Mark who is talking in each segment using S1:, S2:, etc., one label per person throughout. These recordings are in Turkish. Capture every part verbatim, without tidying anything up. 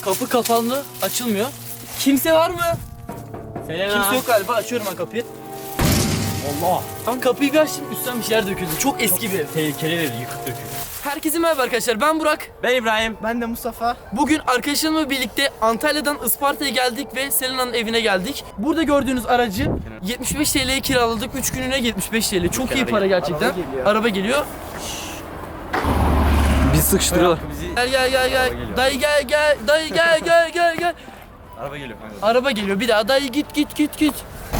S1: Kapı kapalı, açılmıyor. Kimse var mı?
S2: Selena.
S1: Kimse yok galiba. Açıyorum ben kapıyı.
S2: Allah.
S1: Tam kapıyı bir açtım, üstten bir şeyler döküldü. Çok eski bir ev.
S2: Tehlikeli bir yıkık dökük.
S1: Herkese merhaba arkadaşlar. Ben Burak.
S2: Ben İbrahim.
S3: Ben de Mustafa.
S1: Bugün arkadaşlarımla birlikte Antalya'dan Isparta'ya geldik ve Selena'nın evine geldik. Burada gördüğünüz aracı yetmiş beş T L'ye kiraladık. üç gününe yetmiş beş T L. Çok iyi para gerçekten.
S3: Araba geliyor.
S1: Araba geliyor.
S3: Biz sıkıştırıyorlar.
S2: Bizi...
S1: Gel gel gel gel.
S2: geliyor.
S1: Dayı gel gel. Dayı gel gel gel gel.
S2: Araba geliyor kanka.
S1: Araba geliyor. Bir daha dayı git git git git.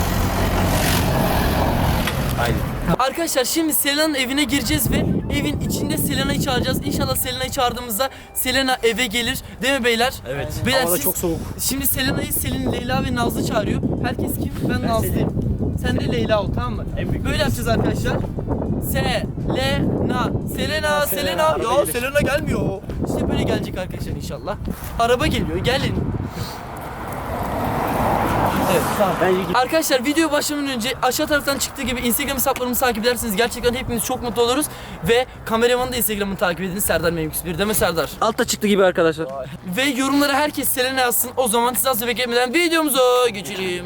S2: Haydi.
S1: Arkadaşlar şimdi Selena'nın evine gireceğiz ve evin içinde Selena'yı çağıracağız. İnşallah Selena'yı çağırdığımızda Selena eve gelir. Değil mi beyler?
S2: Evet.
S1: Beyler,
S3: Hava da
S1: siz-
S3: çok soğuk.
S1: Şimdi Selena'yı Selin, Leyla ve Nazlı çağırıyor. Herkes kim? Ben, Nazlı'yım. Sen de Leyla ol, tamam mı?
S2: En büyük
S1: Böyle yapacağız arkadaşlar. Selena, Selena, Selena.
S3: Araba
S1: Ya
S3: gelir.
S1: Selena gelmiyor. İşte böyle gelecek arkadaşlar inşallah. Araba geliyor, gelin. Evet, tamam.
S2: Bence
S1: Arkadaşlar video başlamadan önce aşağı taraftan çıktığı gibi Instagram hesaplarımızı takip ederseniz gerçekten hepimiz çok mutlu oluruz. Ve kameramanın da Instagram'ını takip edin. Serdar Memix bir, değil mi Serdar?
S3: Altta çıktı gibi arkadaşlar.
S1: Ve yorumlara herkes Selena yazsın. O zaman siz az beklemeden videomuza geçelim.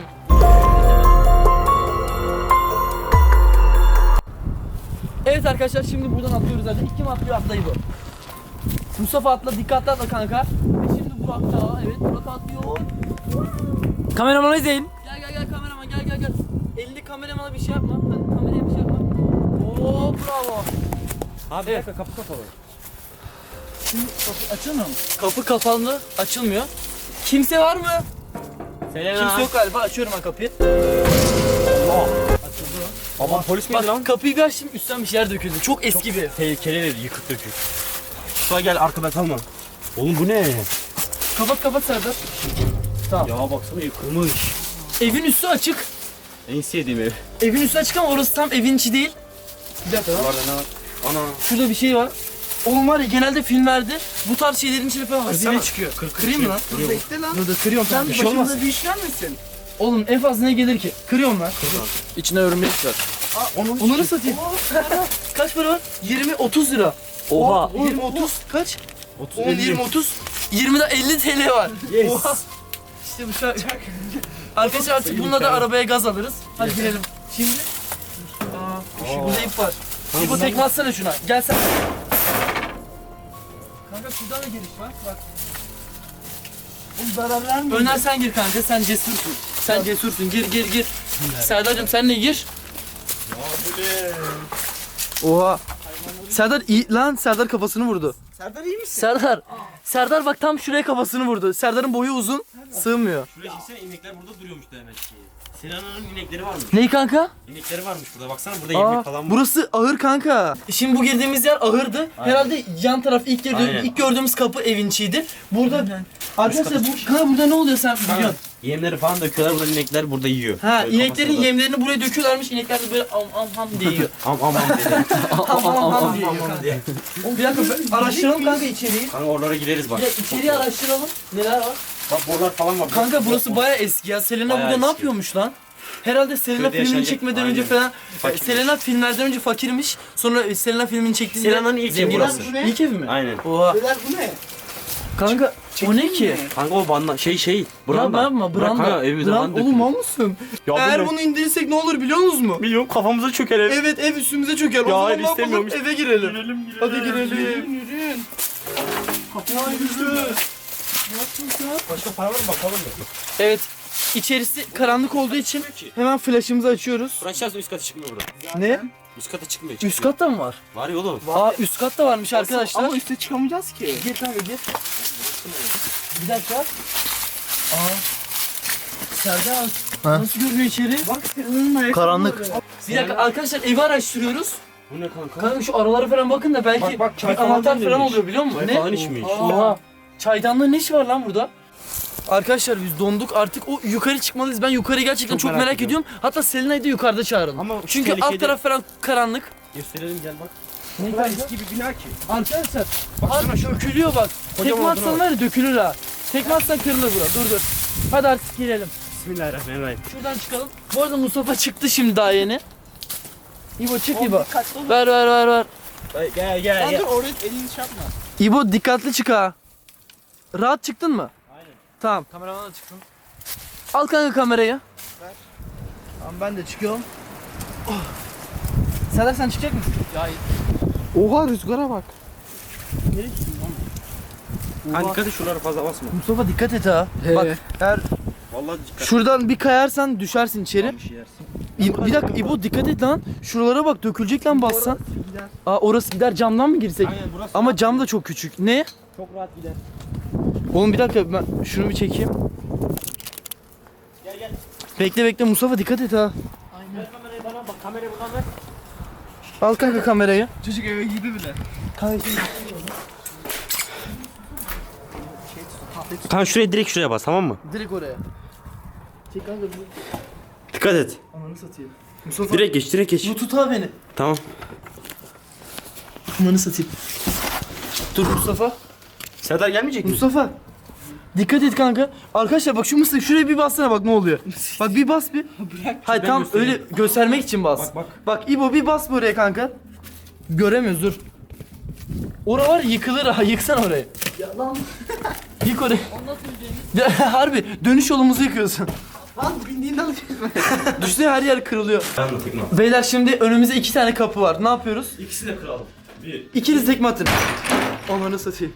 S1: Evet arkadaşlar şimdi buradan atlıyoruz zaten. İlk kim atlıyor? Atlayı bu. Mustafa atla, dikkatli atla kanka. Ve şimdi Burak da, evet Burak atlıyor.
S3: Kameramanı izleyin.
S1: Gel gel gel kameraman gel gel gel. Elinde kameramana bir şey yapma. Hadi kameraya bir şey yapma. Oo bravo.
S2: Abi
S1: Evet.
S2: bir dakika, kapı kapalı.
S1: Şimdi kapı açılmıyor mu? Kapı kapalı, açılmıyor. Kimse var mı?
S2: Selena.
S1: Kimse yok galiba. Açıyorum ben kapıyı.
S2: Allah.
S1: Açıldı.
S2: Aman polis miydi lan?
S1: Bak kapıyı bir açtım, üstten bir şeyler döküldü. Çok eski bir ev.
S2: Tehlikeli bir yıkık dökük. Şuraya gel, arkada kalma. Oğlum bu ne?
S1: Kapat kapat Serdar. Tamam.
S2: Ya baksana, yıkılmış.
S1: Evin üstü açık.
S2: En sevdiğim ev.
S1: Evin üstü açık ama orası tam evin içi değil. Bir dakika.
S2: Buralarda ne var? Ana.
S1: Şurada bir şey var. Oğlum var ya, genelde filmlerde bu tarz şeylerin içine falan hazine
S2: Kırsana.
S1: çıkıyor. Kır, kırayım mı lan?
S2: Kırıyor.
S3: Bekle lan.
S1: Dur dur kırıyorum.
S3: Sen
S1: Bir şey olmaz.
S3: başımıza bir iş gelmesin.
S1: Oğlum en fazla ne gelir ki? Kırıyorum lan.
S3: İçine örümcek var.
S1: Onu, onları satayım. Kaç para var? yirmi otuz lira.
S2: Oha.
S1: yirmi otuz kaç?
S2: otuz
S1: on yirmi otuz. yirmide elli T L var.
S2: Yes.
S1: Oha. İşte bu şarkı. Arkadaşlar artık bununla da arabaya gaz alırız. Hadi girelim. Şimdi. Aa, şu burada ip var. İbo tekme atsana şuna. Gel sen. Kanka şuradan da giriş var. Bak.
S3: Bu zarar vermiyor.
S1: Öner sen gir kanka. Sen cesursun. Sen cesursun. Gir gir gir. Serdar'cığım sen de gir. Oha. Serdar iyi lan, Serdar kafasını vurdu.
S3: Serdar iyi misin?
S1: Serdar. Serdar bak tam şuraya kafasını vurdu. Serdar'ın boyu uzun. Sığmıyor.
S2: Şuraya çeksene, inekler burada duruyormuş demek ki. Selena'nın inekleri varmış.
S1: Ney kanka?
S2: İnekleri varmış burada. Baksana, burada
S1: Aa,
S2: yemek falan var.
S1: burası ahır kanka. Şimdi bu girdiğimiz yer ahırdı. Herhalde yan taraf ilk gördüğümüz,
S2: Aynen.
S1: ilk gördüğümüz kapı evin içiydi. Burada arkadaşlar bu kanka burada ne oluyor sen biliyorsun?
S2: Yemleri falan döküyorlar, burada inekler burada yiyor.
S1: Ha,
S2: Böyle
S1: ineklerin
S2: kafasında.
S1: yemlerini buraya döküyorlarmış. İnekler de böyle am am ham diye yiyor.
S2: Am am am dedi.
S1: Ham ham ham diye
S2: Am
S1: yiyor
S2: am
S1: kanka.
S2: diye.
S1: Bir dakika ben- araştıralım kanka içeriği.
S2: Kanka oralara gideriz bak.
S1: Bir de içeriği araştıralım. Neler var?
S2: Bak borular falan var.
S1: Kanka burası bayağı eski ya. Selena
S2: Bayağı
S1: burada ne
S2: eski.
S1: yapıyormuş lan? Herhalde Selena
S2: Köyde
S1: filmini
S2: yaşanacak-
S1: çekmeden önce
S2: Aynen.
S1: falan
S2: Fakirmiş.
S1: Selena filmlerden önce fakirmiş. Sonra Selena filmini çektiğinde
S2: Selena'nın ilk evi
S1: zengin
S2: burası.
S1: olmuş.
S3: Bu ne?
S1: İlk evi mi?
S2: Aynen.
S1: Oha.
S3: Beyler bu ne?
S1: Kanka o ne ki?
S2: Kanka o banda şey şey.
S1: Branda. Yapma
S2: Bırak
S1: branda.
S2: kanka, evimize
S1: Brand-
S2: falan
S1: Oğlum
S2: dökülür.
S1: mal mısın?
S2: Ya bu
S1: Eğer
S2: ne?
S1: bunu indirirsek ne olur biliyor musunuz mu?
S2: Milyon kafamıza çöker ev.
S1: Evet, ev üstümüze çöker. O
S2: Ya,
S1: zaman
S2: hayır,
S1: ne yapalım?
S2: istemiyorum işte.
S1: Eve girelim.
S2: Girelim, girelim.
S1: Hadi girelim.
S3: Yürüyün.
S1: Kapıya yürü.
S2: Başka para var mı bakalım mı?
S1: Evet. İçerisi karanlık olduğu için hemen flaşımızı açıyoruz.
S2: Franchise üst kata çıkmıyor burada.
S1: Ne?
S2: Üst kata çıkmıyor.
S1: Üst katta mı var?
S2: Var ya oğlum.
S1: Aa, üst katta varmış arkadaşlar.
S3: Ama üste çıkamayacağız ki.
S1: Gir kanka gir. Bir dakika. Aa. Serdar. Nasıl görünüyor içeri?
S3: Bak senin ayakkabı.
S1: Karanlık. Bir dakika arkadaşlar, evi araştırıyoruz.
S2: Bu ne kanka?
S1: Kanka şu aralara falan bakın da belki
S3: Bak, bak, çay
S1: bir
S3: falan
S1: anahtar falan
S2: demiş.
S1: oluyor biliyor musun?
S2: Çay
S1: Ne?
S2: falan içmiş.
S1: Oha. Çaydanlığın ne işi var lan burada? Arkadaşlar biz donduk artık, o yukarı çıkmalıyız. Ben yukarı gerçekten çok,
S2: Çok
S1: merak,
S2: merak
S1: ediyorum. Hatta Selena'yı da yukarıda çağıralım.
S2: Ama şu
S1: Çünkü alt
S2: tehlikeli-
S1: taraf falan karanlık.
S2: Gösterelim, gel bak.
S1: Ne
S3: Bu kadar eski bir bina ki.
S1: Arkadaşlar
S2: Baksana
S1: abi
S2: şu.
S1: dökülüyor bak.
S2: Kocaman
S1: Tekme atsan
S2: olduğuna
S1: var ya dökülür ha. Tekme atsan kırılır bura. Dur dur. Hadi artık girelim.
S2: Bismillahirrahmanirrahim.
S1: Şuradan çıkalım. Bu arada Mustafa çıktı şimdi daha yeni. İbo çık
S3: Oğlum
S1: İbo.
S3: dikkatli ol.
S1: Ver ver ver ver.
S2: Gel gel
S3: Lan
S2: gel.
S3: dur oraya elini şey yapma.
S1: İbo dikkatli çık ha. Rahat çıktın mı? Tamam. Kameraman da çıksın. Al kanka kamerayı. Ver. Tamam ben de çıkıyorum. Oh. Serdar sen çıkacak mısın? Ya
S3: Oha rüzgara bak.
S1: nereye çıktın lan?
S2: Kanka dikkat et şuralara fazla basma.
S1: Mustafa dikkat et ha.
S3: He.
S1: Bak eğer
S2: Vallahi dikkat.
S1: şuradan bir kayarsan düşersin içeri.
S2: Bir şey yersin.
S1: İ- bir dakika İbo dikkat et lan. Şuralara bak dökülecek lan bassan. Aa orası gider, camdan mı girsek?
S2: Aynen burası.
S1: Ama cam da çok küçük. Ne?
S2: çok rahat gider.
S1: Oğlum bir dakika ben şunu bir çekeyim.
S2: Gel gel.
S1: Bekle bekle Mustafa dikkat et ha.
S2: Ver kamerayı bana bak kamerayı buradan ver.
S1: Al kanka kamerayı.
S3: Çocuk eve girdi bile.
S1: Kanka
S2: Kanka şuraya direkt şuraya bas tamam mı?
S1: direkt oraya. Çek kanka bunu.
S2: Dikkat et.
S1: Ananı satayım. Mustafa
S2: Direkt geç direkt geç.
S1: bu tut ha beni.
S2: Tamam.
S1: Ananı satayım. Dur Mustafa.
S2: Serdar gelmeyecek mi?
S1: Mustafa. Dikkat et kanka. Arkadaşlar bak şu mısır şuraya bir bassana bak ne oluyor. Bak bir bas bir.
S3: Bırak.
S1: Hayır
S2: ben
S1: tam
S2: göstereyim.
S1: öyle göstermek için bas.
S2: Bak, bak.
S1: Bak İbo bir bas buraya kanka. Göremiyoruz dur. Ora var yıkılır ha yıksan orayı. Ya lan. Yık orayı. Harbi dönüş yolumuzu yıkıyorsun.
S3: Lan bindiğinden
S1: Düşünsene her yer kırılıyor.
S2: Ben de tekme.
S1: Beyler şimdi önümüzde iki tane kapı var. Ne yapıyoruz?
S2: İkisini de kıralım. Bir.
S1: İkiniz tekme atın. Onları satayım.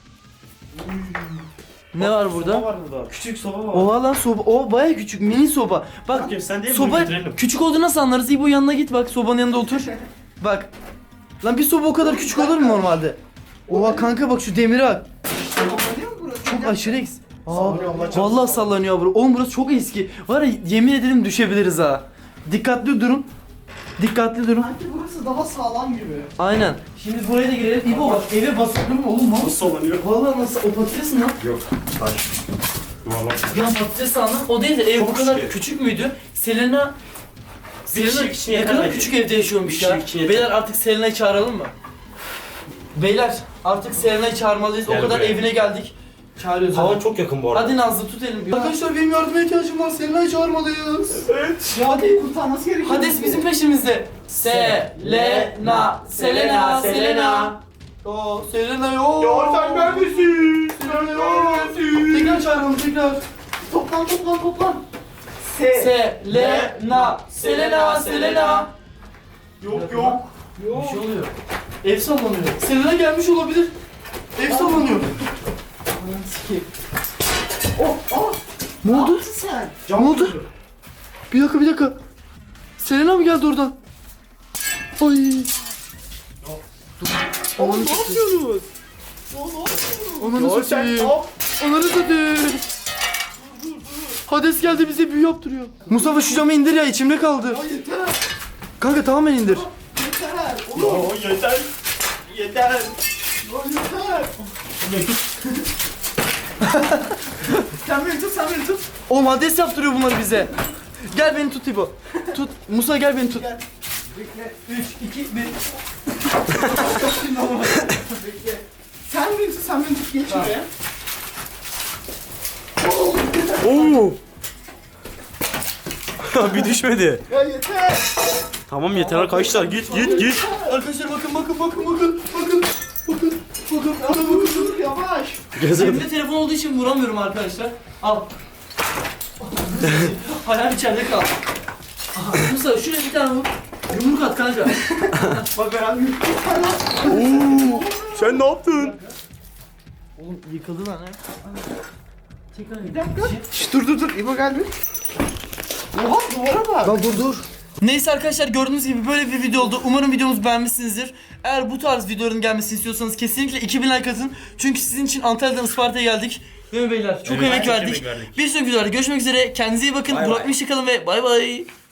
S1: Ne var burada?
S2: Soba var burada. Küçük soba var.
S1: Oha lan soba. O baya küçük mini soba. Bak
S2: Bakayım, sen değil mi?
S1: soba
S2: Bunu götürelim.
S1: küçük olduğunu nasıl anlarız? İbo yanına git bak sobanın yanında otur. Bak. Lan bir soba o kadar küçük olur mu normalde? Oha kanka bak şu demire bak. Çok aşırı eks. Aa,
S2: Sallanıyor, Allah çarpsın.
S1: vallahi sallanıyor bro. Oğlum burası çok eski. Var ya yemin ederim düşebiliriz ha. Dikkatli durun. Dikkatli durun.
S3: Sanki burası daha sağlam gibi.
S1: Aynen. Şimdi buraya da girelim. İbo bak eve basıldın mı oğlum?
S2: Nasıl sallanıyor?
S1: Vallahi nasıl o patates mi lan?
S2: Yok. Taş. Yuvarlak.
S1: Ya patates sandım. O değil de ev
S2: Çok
S1: bu kadar
S2: küçük.
S1: küçük müydü? Selena Selena
S2: kişilik için
S1: ne
S2: yeter
S1: kadar
S2: bence.
S1: küçük evde yaşıyormuş
S2: Bir
S1: ya.
S2: kişilik için yeter.
S1: Beyler artık Selena'yı çağıralım mı? Beyler artık Selena'yı çağırmalıyız.
S2: Gel
S1: o kadar
S2: buraya.
S1: evine geldik. Çağırıyoruz.
S2: Havan
S1: hadi.
S2: çok yakın bu arada.
S1: Hadi Nazlı tut elimi. Arkadaşlar benim yardıma ihtiyacım var. Selena'yı çağırmalıyız.
S2: Evet.
S1: Ya hadi.
S3: Kurtarması gerekiyor.
S1: Hades bizim peşimizde. Selena, Selena, Selena. Yo, Selena yo.
S2: neredesin?
S1: Selena yo. Tekrar çağıralım tekrar.
S3: Toplan toplan toplan.
S1: Selena, Selena, Selena.
S2: Yok yok.
S1: Bir şey oluyor. Ev sallanıyor. Selena gelmiş olabilir. Ev sallanıyor. Aman sikeyim.
S3: Oh oh.
S1: Ne oldu?
S3: Sen.
S1: Ne oldu? Bir dakika bir dakika. Selena mı geldi oradan? Ay. Dur.
S3: Oğlum
S1: Ananı
S3: ne
S1: satayım.
S3: yapıyorsunuz? Oğlum ne yapıyorsunuz?
S1: Ananı satayım. Ananı satayım. Hades geldi bize büyü yaptırıyor. Mustafa şu camı indir ya içimde kaldı.
S3: Ya yeter.
S1: Kanka tamamen indir.
S3: Yeter. Oğlum.
S2: Oo yeter. Yeter.
S3: Ya yeter. Sen beni tut sen beni tut.
S1: Oğlum Hades yaptırıyor bunları bize. Gel beni tut İbo. Tut. Musa gel beni tut.
S3: Gel. Bekle.
S1: üç, iki, bir.
S3: Bekle. Sen beni tut sen beni tut geç
S1: Tamam.
S3: şuraya.
S2: Oo. Bir düşmedi.
S3: Ya yeter.
S2: Tamam yeter arkadaşlar git git git.
S1: Arkadaşlar bakın bakın bakın bakın. Bakın. Bakın. Bakın.
S3: Ya
S1: Bakın
S3: dur
S1: bakın.
S3: dur yavaş.
S1: Elimde telefon olduğu için vuramıyorum arkadaşlar. Al. Hayal içeride kal. Aha, Musa şuraya bir tane vur. Yumruk at kanka.
S3: Bak ben
S2: Oo. Sen ne yaptın?
S1: Oğlum yıkıldı lan ha. Tekrar
S3: Bir dakika. Şş, dur dur dur. İbo gel bir. Oha duvara bak.
S1: Lan dur dur. Neyse arkadaşlar gördüğünüz gibi böyle bir video oldu. Umarım videomuzu beğenmişsinizdir. Eğer bu tarz videoların gelmesini istiyorsanız kesinlikle iki bin like atın. Çünkü sizin için Antalya'dan Isparta'ya geldik. Değil mi beyler? Çok
S2: Evet,
S1: emek
S2: çok
S1: verdik.
S2: emek verdik.
S1: Bir sonraki videoda görüşmek üzere. Kendinize iyi bakın.
S2: Bay
S1: Burak
S2: bay.
S1: Miş'i kalın ve bay bay.